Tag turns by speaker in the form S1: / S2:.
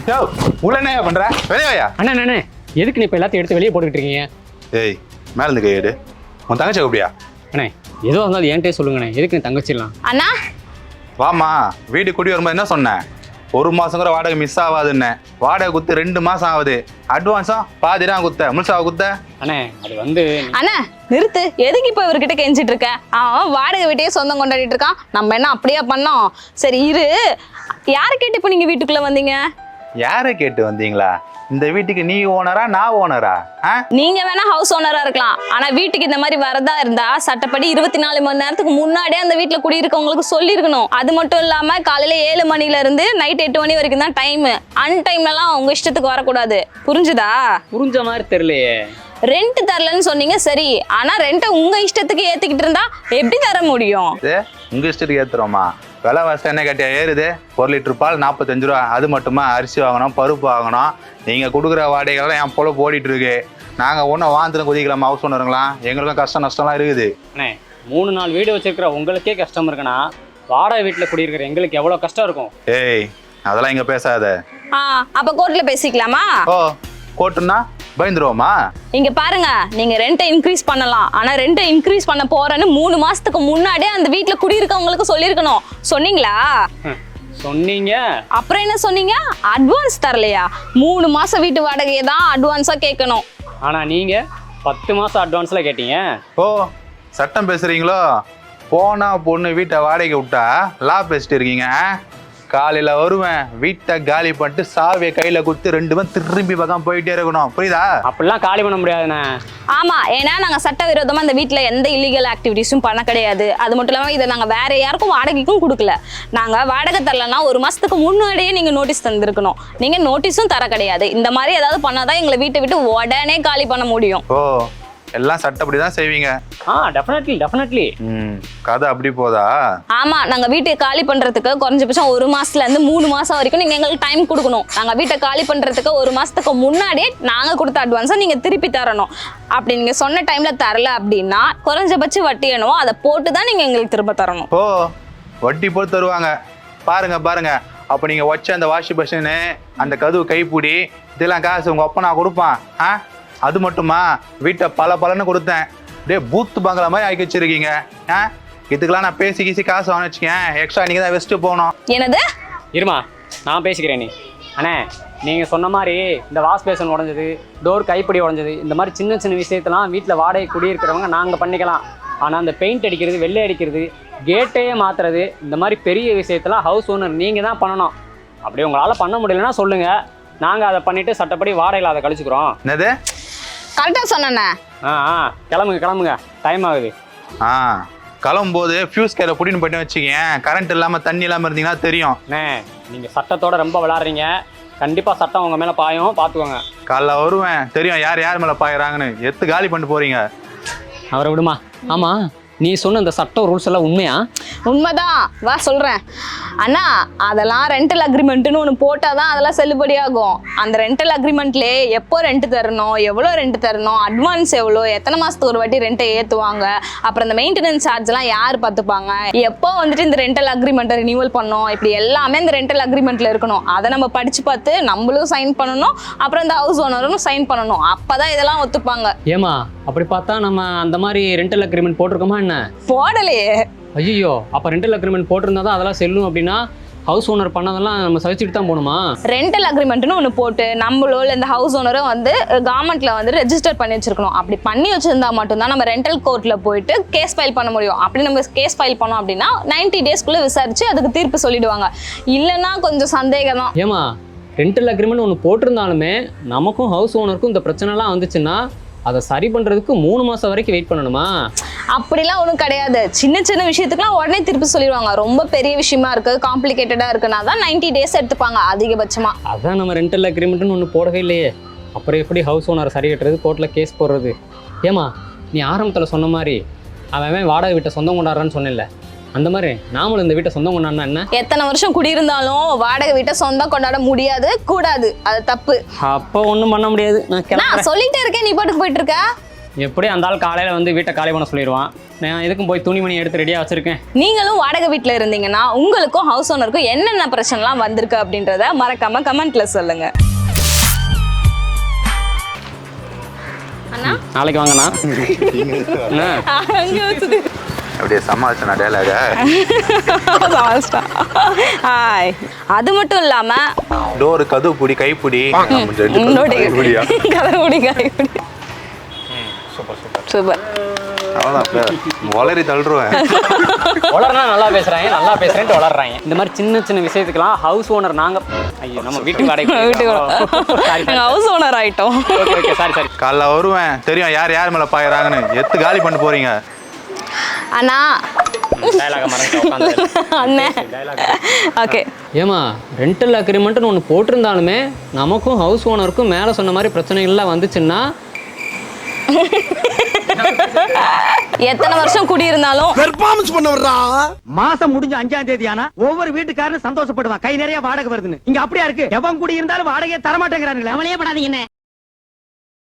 S1: யோ உள்ள என்ன பண்ற வெளியா?
S2: அண்ணே எதுக்கு நீ இப்போ எல்லாத்தையும் எடுத்து வெளியே போட்டுக்கிட்டு இருக்கீங்க?
S1: ஏய் மேல இருந்து கையெடு. உன் தங்கச்சி எப்படியா?
S2: அண்ணே ஏதோ இருந்தாலும் என்கிட்டே சொல்லுங்கண்ணே, எதுக்கு நீ தங்கச்சிடலாம்?
S3: அண்ணா
S1: வாமா வீடு குடி வரும்போது என்ன சொன்னேன்? 1 மாசம் கூட வாடகை மிஸ் ஆகாதுன்னு. வாடகை குத்து 2 மாசம் ஆகுது. அட்வான்ஸும் பாதிதான் குத்த, முழுசாவை குத்த.
S2: அண்ணே அது வந்து
S3: அண்ணா நிறுத்து. எதுக்கு இப்போ இவர்கிட்ட கெஞ்சிட்டு இருக்க? அவன் வாடகை வீட்டையே சொந்தம் கொண்டாடிட்டு இருக்கான். நம்ம என்ன அப்படியே பண்ணோம்? சரி இரு. யாரை கேட்டு இப்போ நீங்க வீட்டுக்குள்ள வந்தீங்க?
S1: யாரை கேட்டு வந்தீங்களா? இந்த வீட்டுக்கு நீ ஓனரா நான் ஓனரா?
S3: நீங்க வேணா ஹவுஸ் ஓனரா இருக்கலாம், ஆனா வீட்டுக்கு இந்த மாதிரி வரதா இருந்தா சட்டப்படி 24 மணி நேரத்துக்கு முன்னாடியே அந்த வீட்டுல குடியிருக்கவங்களுக்கு சொல்லியிருக்கணும். அது மட்டும் இல்லாம காலையில 7 மணில இருந்து நைட் 8 மணி வரைக்கும் தான் டைம். அன்டைம்லலாம் உங்க இஷ்டத்துக்கு வரக்கூடாது. புரிஞ்சுதா?
S2: புரிஞ்ச மாதிரி தெரியலையே.
S3: ரெண்ட் தரலன்னு சொன்னீங்க சரி, ஆனா ரெண்ட்டை உங்க இஷ்டத்துக்கு ஏத்திக்கிட்டு இருந்தா எப்படி தர முடியும்?
S1: உங்க இஷ்டத்துக்கு ஏத்துறோமா? விலைவாசி என்ன கேட்டியா ஏறுது? 1 லிட்டர் பால் 45 ரூபா. அது மட்டுமா அரிசி வாங்கணும், பருப்பு வாங்கணும். நீங்க கொடுக்குற வாடகைகள்லாம் என் போல ஓடிட்டு இருக்கு. நாங்க ஒன்றும் வாந்துன்னு குதிக்கலாமா ஹவுஸ் ஓனருங்களா? எங்களுக்கும் கஷ்டம் நஷ்டம்லாம் இருக்குது.
S2: அண்ணே 3 நாள் வீடு வச்சிருக்கிற உங்களுக்கே கஷ்டம் இருக்குன்னா வாடகை வீட்டில் குடியிருக்கிற எங்களுக்கு எவ்வளோ கஷ்டம் இருக்கும்?
S1: ஏய் அதெல்லாம் இங்க பேசாத.
S3: அப்ப கோர்ட்ல பேசிக்கலாமா?
S1: ஓ கோர்ட்டுன்னா பயந்துருவோமா?
S3: இங்க பாருங்க, நீங்க ரெண்ட்டை இன்க்ரீஸ் பண்ணலாம், ஆனா ரெண்ட்டை இன்க்ரீஸ் பண்ண போறேன்னு 3 மாசத்துக்கு முன்னாடியே அந்த வீட்டுல குடியிருக்கவங்களுக்கு சொல்லியிருக்கணும். சொன்னீங்களா?
S2: சொன்னீங்க.
S3: அப்புறம் என்ன சொன்னீங்க? அட்வான்ஸ் தரலையா? 3 மாசம் வீட்டு வாடகையை தான் அட்வான்ஸா கேட்கணும்.
S2: ஆனா நீங்க 10 மாசம் அட்வான்ஸ்ல கேட்டீங்க.
S1: ஓ சட்டம் பேசுறீங்களோ? போனா பொண்ணு வீட்டை வாடகை விட்டா லா பேசிட்டு இருக்கீங்க. காலையில வருவேன், வீட்டை காலி பண்ணிட்டு சாவியை கையில கொடுத்து 2 பேரும் திரும்பி பக்கம் போயிட்டே இருக்கணும். புரியுதா?
S2: அப்படிலாம் காலி பண்ண முடியாதுண்ணே.
S3: ஆமா, ஏன்னா நாங்க சட்டவிரோதமா இந்த வீட்டுல எந்த இல்லீகல் ஆக்டிவிட்டிஸும் பண்ண கிடையாது. அது மட்டும் இல்லாம இதை நாங்க வேற யாருக்கும் வாடகைக்கும் கொடுக்கல. நாங்க வாடகை தரலன்னா 1 மாசத்துக்கு முன்னாடியே நீங்க நோட்டீஸ் தந்திருக்கணும். நீங்க நோட்டீஸும் தர கிடையாது. இந்த மாதிரி ஏதாவது பண்ணாதான் எங்களை வீட்டை விட்டு உடனே காலி பண்ண முடியும்.
S1: ஓ எல்லாம் சட்டப்படி தான் செய்வீங்க.
S2: டெஃபினெட்லி.
S1: கதை அப்படி போதா?
S3: ஆமா, நாங்க வீட்டை காலி பண்றதுக்கு குறைஞ்சபட்சம் 1 மாசத்துல இருந்து 3 மாசம் வரைக்கும் நீங்க எங்களுக்கு டைம் கொடுக்கணும். நாங்க வீட்டை காலி பண்றதுக்கு 1 மாசத்துக்கு முன்னாடியே நாங்க கொடுத்த அட்வான்ஸை நீங்க திருப்பி தரணும். அப்படி நீங்க சொன்ன டைம்ல தரல அப்படின்னா குறைஞ்சபட்ச வட்டி என்னவோ அதை போட்டு தான் நீங்க எங்களுக்கு திரும்ப தரணும்.
S1: ஓ வட்டி போட்டு தருவாங்க. பாருங்க அப்ப நீங்க வச்ச அந்த வாஷிங் மிஷினு, அந்த கதவு கைப்பிடி, இதெல்லாம் காசு உங்க அப்பா நான் கொடுப்பான். அது மட்டுமா வீட்டை பலன்னு கொடுத்தேன். டே பூத்து பங்களா மாதிரி ஆக்கி வச்சிருக்கீங்க. இதுக்கெல்லாம் நான் பேசி காசு வாங்க வச்சுக்கேன். எக்ஸ்ட்ரா நீங்க தான் வெஸ்ட் போகணும்.
S3: என்னது?
S2: இருமா நான் பேசிக்கிறேன். நீ அண்ணே நீங்கள் சொன்ன மாதிரி இந்த வாஷ் பேசன் உடஞ்சது, டோர் கைப்பிடி உடஞ்சது, இந்த மாதிரி சின்ன விஷயத்தெல்லாம் வீட்டில் வாடகை குடியிருக்கிறவங்க நாங்கள் பண்ணிக்கலாம். ஆனால் அந்த பெயிண்ட் அடிக்கிறது, வெள்ளை அடிக்கிறது, கேட்டையே மாற்றுறது, இந்த மாதிரி பெரிய விஷயத்தெல்லாம் ஹவுஸ் ஓனர் நீங்கள் தான் பண்ணணும். அப்படி உங்களால் பண்ண முடியலன்னா சொல்லுங்கள், நாங்கள் அதை பண்ணிவிட்டு சட்டப்படி வாடகையில் அதை கழிச்சுக்கிறோம்.
S1: என்னது?
S3: கரெக்டாக சொன்னேண்ணே.
S2: கிளம்புங்க டைம் ஆகுது.
S1: கிளம்பும்போது ஃபியூஸ் கேரை புடின்னு போயிட்டு வச்சுக்கேன். கரண்ட் இல்லாமல் தண்ணி இல்லாமல் இருந்தீங்கன்னா தெரியும்.
S2: அண்ணே நீங்கள் சட்டத்தோட ரொம்ப விளாட்றீங்க. கண்டிப்பாக சட்டம் உங்கள் மேலே பாயும், பார்த்துக்கோங்க.
S1: காலைல வருவேன், தெரியும் யார் மேலே பாயிறாங்கன்னு. எத்து காலி பண்ணிட்டு போறீங்க.
S2: அவரை விடுமா. ஆமாம், நீ சொன்ன இந்த சட்டம் ரூல்ஸ் எல்லாம் உண்மையா?
S3: உண்மைதான், வா சொல்கிறேன். அண்ணா அதெல்லாம் ரெண்டல் அக்ரிமெண்ட்டுன்னு ஒன்று போட்டால் தான் அதெல்லாம் செல்லுபடியாகும். அந்த ரெண்டல் அக்ரிமெண்ட்லேயே எப்போ ரெண்ட் தரணும், எவ்வளோ ரெண்ட் தரணும், அட்வான்ஸ் எவ்வளோ, எத்தனை மாதத்துக்கு ஒரு வாட்டி ரெண்ட்டை ஏற்றுவாங்க, அப்புறம் இந்த மெயின்டெனன்ஸ் சார்ஜ்லாம் யார் பார்த்துப்பாங்க, எப்போ வந்துட்டு இந்த ரெண்டல் அக்ரிமெண்ட்டை ரினியூவல் பண்ணணும், இப்படி எல்லாமே இந்த ரெண்டல் அக்ரிமெண்ட்டில் இருக்கணும். அதை நம்ம படித்து பார்த்து நம்மளும் சைன் பண்ணணும், அப்புறம் இந்த ஹவுஸ் ஓனரும் சைன் பண்ணணும். அப்போ தான் இதெல்லாம் ஒத்துப்பாங்க.
S2: ஏமா அப்படி பார்த்தா நம்ம அந்த மாதிரி ரெண்டல் அக்ரிமெண்ட் போட்டிருக்கோமா என்ன?
S3: போடலையே.
S2: ஐயோ, அப்போ ரெண்டல் அக்ரிமெண்ட் போட்டிருந்தா தான் அதெல்லாம் செல்லும் அப்படின்னா ஹவுஸ் ஓனர் பண்ணதெல்லாம் நம்ம சகிச்சுட்டு தான் போகணுமா?
S3: ரெண்டல் அக்ரிமெண்ட்னு ஒன்று போட்டு நம்மளோ இல்லை இந்த ஹவுஸ் ஓனரும் வந்து கவர்மெண்ட்ல வந்து ரெஜிஸ்டர் பண்ணி வச்சிருக்கணும். அப்படி பண்ணி வச்சிருந்தா மட்டும்தான் நம்ம ரெண்டல் கோர்ட்ல போயிட்டு கேஸ் ஃபைல் பண்ண முடியும். அப்படி நம்ம கேஸ் ஃபைல் பண்ணோம் அப்படின்னா 90 டேஸ்க்குள்ள விசாரிச்சு அதுக்கு தீர்ப்பு சொல்லிடுவாங்க. இல்லைன்னா கொஞ்சம் சந்தேகம் தான்.
S2: ஏமா ரெண்டல் அக்ரிமெண்ட் ஒன்று போட்டிருந்தாலுமே நமக்கும் ஹவுஸ் ஓனருக்கும் இந்த பிரச்சனைலாம் வந்துச்சுன்னா அதை சரி பண்ணுறதுக்கு 3 மாதம் வரைக்கும் வெயிட் பண்ணணுமா?
S3: அப்படிலாம் ஒன்றும் கிடையாது. சின்ன விஷயத்துக்குலாம் உடனே திருப்பி சொல்லிடுவாங்க. ரொம்ப பெரிய விஷயமா இருக்கு, காம்ப்ளிகேட்டடாக இருக்குன்னா தான் 90 டேஸ் எடுத்துப்பாங்க அதிகபட்சமாக.
S2: அதான் நம்ம ரெண்டல் அக்ரிமெண்ட்னு ஒன்று போடவே இல்லையே. அப்புறம் எப்படி ஹவுஸ் ஓனரை சரி கட்டுறது, கோர்ட்டில் கேஸ் போடுறது? ஏமா நீ ஆரம்பத்தில் சொன்ன மாதிரி அவன் வாடகை வீட்டை சொந்தம் கொண்டாடுறான்னு சொன்னேன்ல, அந்த மாதிரி நாமளும் இந்த வீட்டை சொந்தம் கொண்டாடினா என்ன?
S3: எத்தனை வருஷம் குடியிருந்தாலும் வாடகை வீட்டை சொந்தம் கொண்டாட முடியாது, கூடாது. அது தப்பு.
S2: அப்போ ஒன்றும் பண்ண முடியாது. நான்
S3: சொல்லிட்டே இருக்கேன், நீ பாட்டுக்கு போயிட்டு இருக்க.
S2: எப்படி அந்த ஆள் காலையில் வந்து வீட்டை காலி பண்ண சொல்லிடுவான். நான் எதுக்கும் போய் துணிமணி எடுத்து ரெடியாக வச்சுருக்கேன்.
S3: நீங்களும் வாடகை வீட்டில் இருந்தீங்கன்னா உங்களுக்கும் ஹவுஸ் ஓனருக்கும் என்னென்ன பிரச்சனைலாம் வந்திருக்கு அப்படின்றத மறக்காம கமெண்ட்ல சொல்லுங்க. அண்ணா
S2: நாளைக்கு வாங்கண்ணா.
S3: அங்க வச்சுது.
S1: அப்படியே சமாளிச்சா டேலாக.
S3: அது மட்டும் இல்லாம
S1: டோரு கதவு பிடி கைப்பிடி
S3: சூப்பர்.
S1: அவ்வளோதான் வளரி தள்ளுருவேன்.
S2: வளர்னா நல்லா பேசுறாங்க, நல்லா பேசுறேன்ட்டு வளர்றாங்க. இந்த மாதிரி சின்ன சின்ன விஷயத்துக்கெல்லாம் ஹவுஸ் ஓனர் நாங்கள். ஐயோ நம்ம வீட்டுக்கு வாடகை
S3: ஹவுஸ் ஓனர் ஆயிட்டோம்.
S2: Okay okay sorry sorry.
S1: காலைல வருவேன், தெரியும் யார் யார் மேலே பாயிறாங்கன்னு. எத்து காலி பண்ணி போறீங்க
S3: அண்ணா. அண்ணே ஓகே.
S2: ஏமா ரெண்டல் அக்ரிமெண்ட்னு ஒன்று போட்டிருந்தாலுமே நமக்கும் ஹவுஸ் ஓனருக்கும் மேலே சொன்ன மாதிரி பிரச்சனைகள்லாம் வந்துச்சுன்னா
S3: எத்தனை வருஷம் குடியிருந்தாலும்
S4: பெர்ஃபார்மன்ஸ் பண்ண வர்றா.
S5: மாசம் முடிஞ்ச 5ஆம் தேதி ஆனா ஒவ்வொரு வீட்டுக்காரனும் சந்தோஷப்படுவான், கை நிறைய வாடகை வருதுன்னு. இங்க அப்படியா இருக்கு? எவன் குடி இருந்தாலும் வாடகையை தரமாட்டேங்கிறானுங்களே. அவளையே படாதீங்க.